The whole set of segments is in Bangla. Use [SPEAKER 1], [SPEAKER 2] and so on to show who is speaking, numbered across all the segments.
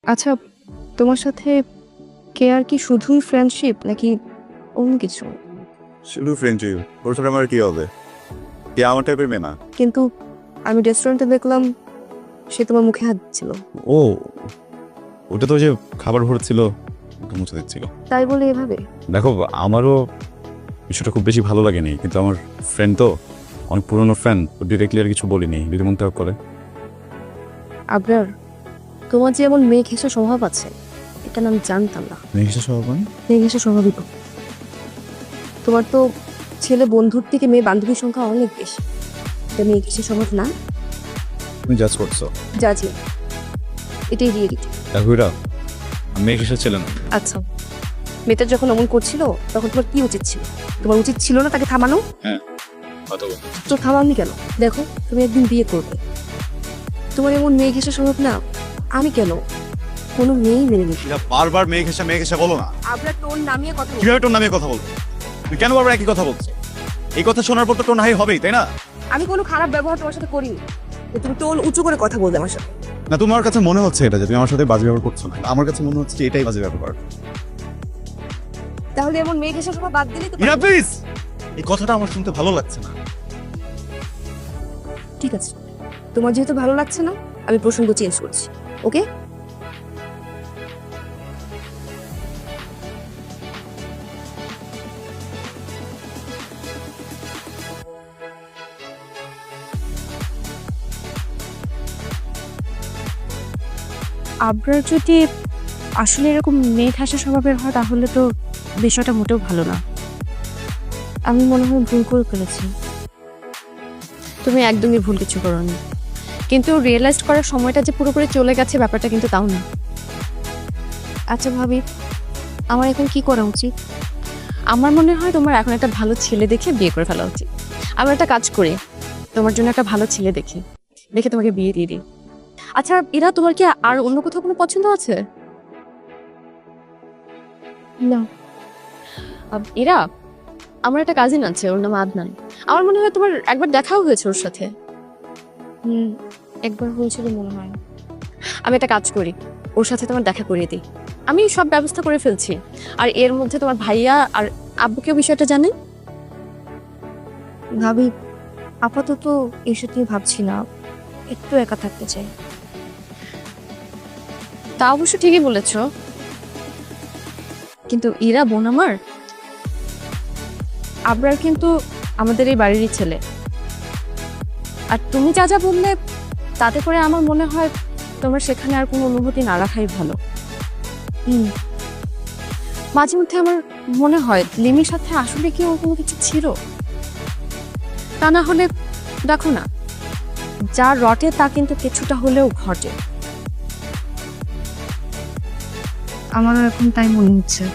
[SPEAKER 1] আচ্ছা, তোমার সাথে কেয়ার কি শুধুই ফ্রেন্ডশিপ নাকি অন্য কিছু?
[SPEAKER 2] শুধু ফ্রেন্ডশিপ। ওর সাথে আমার কি হবে? কে আমার টাইপের মেয়ে না।
[SPEAKER 1] কিন্তু আমি রেস্টুরেন্টে দেখলাম সে তোমার মুখে হাত দিচ্ছিল।
[SPEAKER 2] ও, ওটা তো যে খাবার ভরছিল, ওটা মুছে দিচ্ছিল।
[SPEAKER 1] তাই বলে এভাবে?
[SPEAKER 2] দেখো, আমারও বিষয়টা খুব বেশি ভালো লাগেনি, কিন্তু আমার ফ্রেন্ড তো অনেক পুরনো ফ্রেন্ড, ডিরেক্টলি আর কিছু বলিনি, যদি মন খারাপ করে।
[SPEAKER 1] আবরার, তোমার যে এমন মেয়ে ঘেঁষা স্বভাব আছে এটা না আমি জানতাম না।
[SPEAKER 2] মেঘেশা স্বভাব মানে?
[SPEAKER 1] মেয়ে ঘেঁষা স্বভাবই তো। তোমার তো ছেলে বন্ধুর থেকে মেয়ে বান্ধবীর সংখ্যা অনেক বেশি। এটা মেয়ে ঘেঁষা স্বভাব না?
[SPEAKER 2] তুমি জাজ করছো?
[SPEAKER 1] জাজি, এটাই রিয়েলিটি।
[SPEAKER 2] দেখো, এরা মেঘেশা ছিল না।
[SPEAKER 1] আচ্ছা, মেয়েটা যখন অমন করছিল তখন তোমার কি উচিত ছিল? তোমার উচিত ছিল না তাকে থামানো?
[SPEAKER 2] হ্যাঁ, কথা বল।
[SPEAKER 1] তো থামাওনি কেন? দেখো, তুমি একদিন বিয়ে করবে, তোমার এমন মেয়ে ঘেঁষা স্বভাব না আমি কেন কোনো মেয়েই মেনে নিই।
[SPEAKER 2] এরা বারবার মেঘেশা বলো না।
[SPEAKER 1] আমরা টোন নামিয়ে কথা বলি।
[SPEAKER 2] কিভাবে টোন নামিয়ে কথা বলছো? তুমি কেন বারবার একই কথা বলছো? এই কথা শোনার পর তো টোন হাই হবেই, তাই না?
[SPEAKER 1] আমি কোনো খারাপ ব্যবহার তোমার সাথে করিনি, যে তুমি টোন উঁচু করে কথা বলবে আমার সাথে।
[SPEAKER 2] না, তোমার কাছে মনে হচ্ছে এটা যে তুমি আমার সাথে বাজে ব্যবহার করছো না, আমার কাছে মনে হচ্ছে যে এটাই বাজে ব্যবহার।
[SPEAKER 1] তাহলে এমন মেয়ে ঘেঁষা স্বভাব বাদ দিলেই তো
[SPEAKER 2] ইরা প্লিজ, এই কথাটা আমার শুনতে ভালো লাগছে না।
[SPEAKER 1] ঠিক আছে, তোমার যেহেতু ভালো লাগছে না আমি প্রসঙ্গ চেঞ্জ করছি। ওকে?
[SPEAKER 3] আবরার যদি আসলে এরকম মেয়ে ঠাসা স্বভাবের হয় তাহলে তো বিষয়টা মোটেও ভালো না।
[SPEAKER 1] আমি মনে হয় ভুল করে ফেলেছি।
[SPEAKER 3] তুমি একদমই ভুল কিছু করোনি, কিন্তু রিয়েলাইজ করার সময়টা যে পুরোপুরি চলে গেছে ব্যাপারটা কিন্তু তাও না।
[SPEAKER 1] আচ্ছা ভাবি, আমার এখন কি করা উচিত?
[SPEAKER 3] আমার মনে হয় তোমার এখন একটা ভালো ছেলে দেখে বিয়ে করে ফেলা উচিত। আমরা একটা কাজ করি, তোমার জন্য একটা ভালো ছেলে দেখে তোমাকে বিয়ে দিয়ে দিই। আচ্ছা এরা, তোমার কি আর অন্য কোথাও কোনো পছন্দ আছে?
[SPEAKER 1] না।
[SPEAKER 3] এরা, আমার একটা কাজিন আছে, ওর নাম আদনান। আমার মনে হয় তোমার একবার দেখাও হয়েছে ওর সাথে।
[SPEAKER 1] একবার হয়েছিল মনে হয়।
[SPEAKER 3] আমি একটা কাজ করি, ওর সাথে তোমার দেখা করিয়ে দিই। আমি সব ব্যবস্থা করে ফেলছি। আর এর মধ্যে তোমার ভাইয়া আর আব্বুকেও বিষয়টা জানে।
[SPEAKER 1] ভাবি, আপাতত এসব নিয়ে ভাবছি না, একটু একা থাকতে চাই।
[SPEAKER 3] তা অবশ্য ঠিকই বলেছ, কিন্তু ইরা বোন আমার, আবরার কিন্তু আমাদের এই বাড়িরই ছেলে। আর তুমি যা যা বললে তাতে করে আমার মনে হয় তোমার সেখানে আর কোনো অনুভূতি না রাখাই ভালো। মাঝে মধ্যে আমার মনে হয় লিমির সাথে আসলে কি ওর কোনো কিছু ছিল। তা না হলে দেখো না, যা রটে তা কিন্তু কিছুটা হলেও ঘটে।
[SPEAKER 1] আমারও এখন তাই মনে হচ্ছে।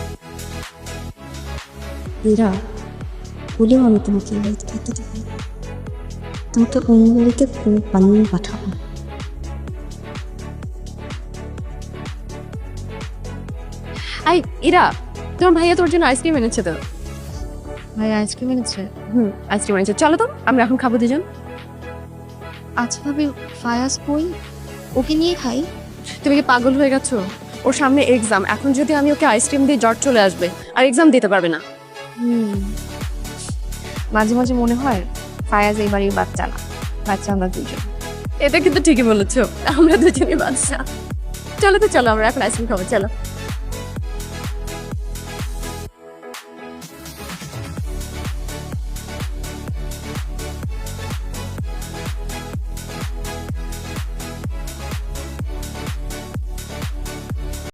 [SPEAKER 1] এরা বলেও আমি তোমাকে এই বাড়িতে থাকতে দেবো না। তোমাকে অন্য বাড়িতে বানিয়ে পাঠাবো।
[SPEAKER 3] আই ইরা, তোমার ভাইয়া তোর জন্য আইসক্রিম এনেছে তো।
[SPEAKER 1] ভাই আইসক্রিম এনেছে?
[SPEAKER 3] আইসক্রিম এনেছে, চলো তো আমরা এখন খাবো দুজন।
[SPEAKER 1] আচ্ছা ভাবি, ফায়াজ বই, ওকে নিয়ে খাই।
[SPEAKER 3] তুমি কি পাগল হয়ে গেছো? ওর সামনে এক্সাম, এখন যদি আমি ওকে আইসক্রিম দিয়ে জ্বর চলে আসবে, আর এক্সাম দিতে পারবে না।
[SPEAKER 1] মাঝে মাঝে মনে হয় ফায়াজ এই বাড়ির বাচ্চা না, বাচ্চা আমরা দুজন।
[SPEAKER 3] এটা কিন্তু ঠিকই বলেছো, আমরা দুজনই বাচ্চা। চলো তো, চলো আমরা এখন আইসক্রিম খাবো, চলো।